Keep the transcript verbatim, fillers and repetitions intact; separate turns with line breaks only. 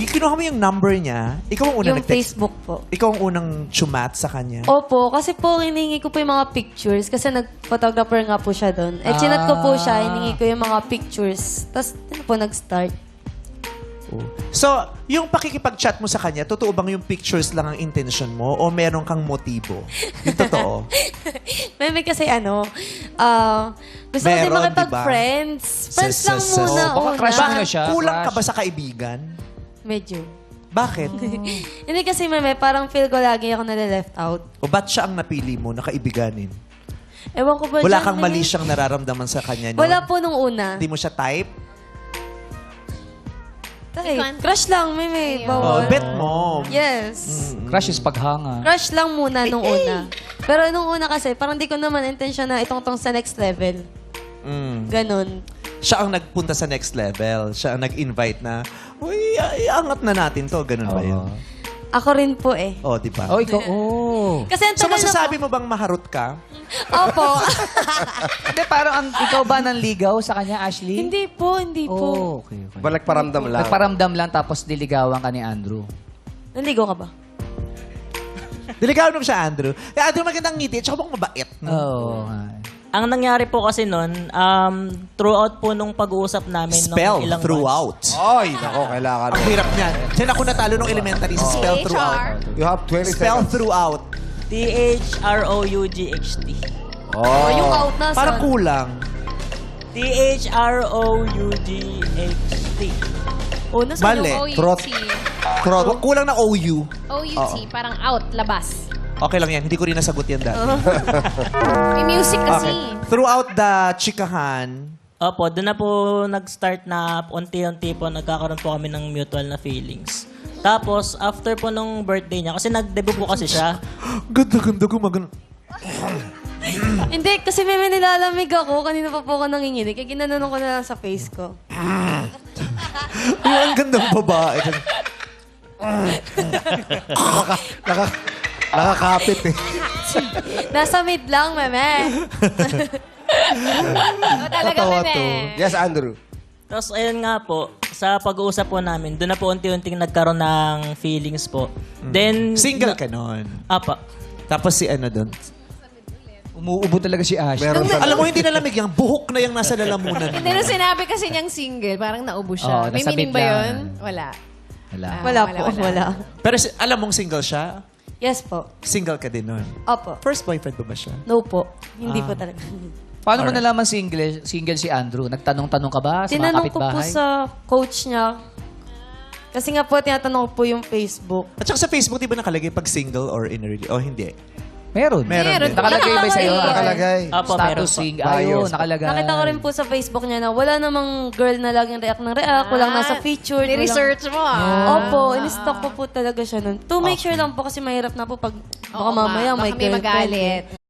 y- kinuha mo yung number niya, ikaw ang unang
Yung
nag-text.
Facebook po.
Ikaw ang unang chumat sa kanya.
Opo, kasi po hiningi ko po yung mga pictures kasi nag-photographer nga po siya doon. Eh, chinat ko po siya, hiningi ko yung mga pictures. Tapos, yun po, nag-start.
So, yung pakikipag-chat mo sa kanya, totoo bang yung pictures lang ang intention mo o meron kang motibo? Yung totoo.
Meme kasi ano, ah, gusto ko din
Meron,
makipag-friends. Friends
Sa-
lang
sa- sa-
muna,
Oh, baka
una.
crush mo na siya.
Kulang ka
Crush.
ba sa kaibigan?
Medyo.
Bakit?
Hindi kasi, meme, parang feel ko lagi ako nade-left out.
O ba't siya ang napili mo na kaibiganin?
Ewan ko ba
Wala
dyan,
kang
meme?
mali siyang nararamdaman sa kanya, no?
Wala po nung una.
Hindi mo siya type?
Tay, crush lang, meme.
Oh,
Bawal.
bet mo.
Yes.
Crush is paghanga.
Crush lang muna nung una. Pero nung una kasi, parang di ko naman intention na itong tong sa next level.
Mm.
Ganon.
Siya ang nagpunta sa next level. Siya ang nag-invite na, uy, i- iangat na natin to. Ganun ba yun?
Ako rin po eh.
Oh, di ba?
Oh, ikaw, oh.
Kasi ang
So,
tagal na
masasabi mo bang maharot ka?
Opo.
Hindi, parang ang, ikaw ba nanligaw sa kanya, Ashley?
Hindi po, hindi po.
Oh, okay, okay.
Ba nagparamdam lang?
Nagparamdam lang tapos diligawan ka ni Andrew.
Nandigo ka ba?
Diligaw naman siya, Andrew. Eh, Andrew, magandang ngiti. Tsaka bang mabait. No?
Oo.
Ang nangyari po kasi nun, um, throughout po nung pag-uusap namin
Spell
nung ilang
throughout.
Ay, nako, kailangan.
Ang hirap niyan. Diyan ako natalo nung elementary sa spell throughout.
You have twenty
Spell
seconds.
throughout.
months. T H R O U G H T.
Oh, yung
Oh.
out na.
Para kulang.
T H R O U G H T.
Oh, nasa
Mali.
yung
Trot. Trot. Kulang na O U.
O U T, parang out, labas.
Okay lang yan. Hindi ko rin nasagot yan dati.
May music kasi.
Okay. Throughout the chikahan,
Opo, doon na po nag-start na unti-unti po nagkakaroon po kami ng mutual na feelings. Tapos, after po nung birthday niya, kasi nag-debut po kasi siya.
ganda-ganda ko mag...
Hindi, kasi may nilalamig ako. Kanina pa po ako nanginginig. Kaya ginanon ko na lang sa face ko.
Ay, ang gandang babae.
Naka, naka, nakakapit eh.
Nasa mid lang, meme.
O, talaga,
Tatawa
meme.
to. Yes, Andrew.
Tapos, ayun nga po, sa pag-uusap po namin, doon na po unti-unting nagkaroon ng feelings po. Then...
Single ka nun.
Apa.
Tapos si ano doon.
Umuubo talaga si Ashley.
Meron talaga.
Alam mo, hindi nalamig yan. Buhok na yung nasa lalamunan.
Hindi na sinabi kasi niyang single, parang naubo
Oo,
siya. May
nasa
meaning
bid
ba
lang.
yun? Wala.
Wala.
Ah,
Wala
wala,
po,
wala.
wala.
Pero si- alam mong single siya?
Yes po.
Single ka din nun.
Opo.
First boyfriend mo ba siya?
No po. Hindi po talaga.
Paano mo nalaman single, single si Andrew? Nagtanong-tanong ka ba sa mga
Tinanong ko po
kapitbahay?
sa coach niya. Kasi nga po, tinatanong ko po yung Facebook.
At saka sa Facebook, di ba nakalagay pag single or in a relationship? Oh, hindi.
Meron.
Meron din.
Nakalagay ba sa'yo?
Nakalagay.
Nakalagay.
Apo, meron
Status
po.
sing.
Bio.
Ayun, nakalagay.
Nakita ko rin po sa Facebook niya na wala namang girl na laging react ng react. Walang nasa feature. walang-
Ni-research mo ah.
Opo, in-stock ko po talaga siya nun. To make sure lang po kasi mahirap na po pag baka
Oo nga,
mamaya
baka
may
may
girlfriend.
magalit.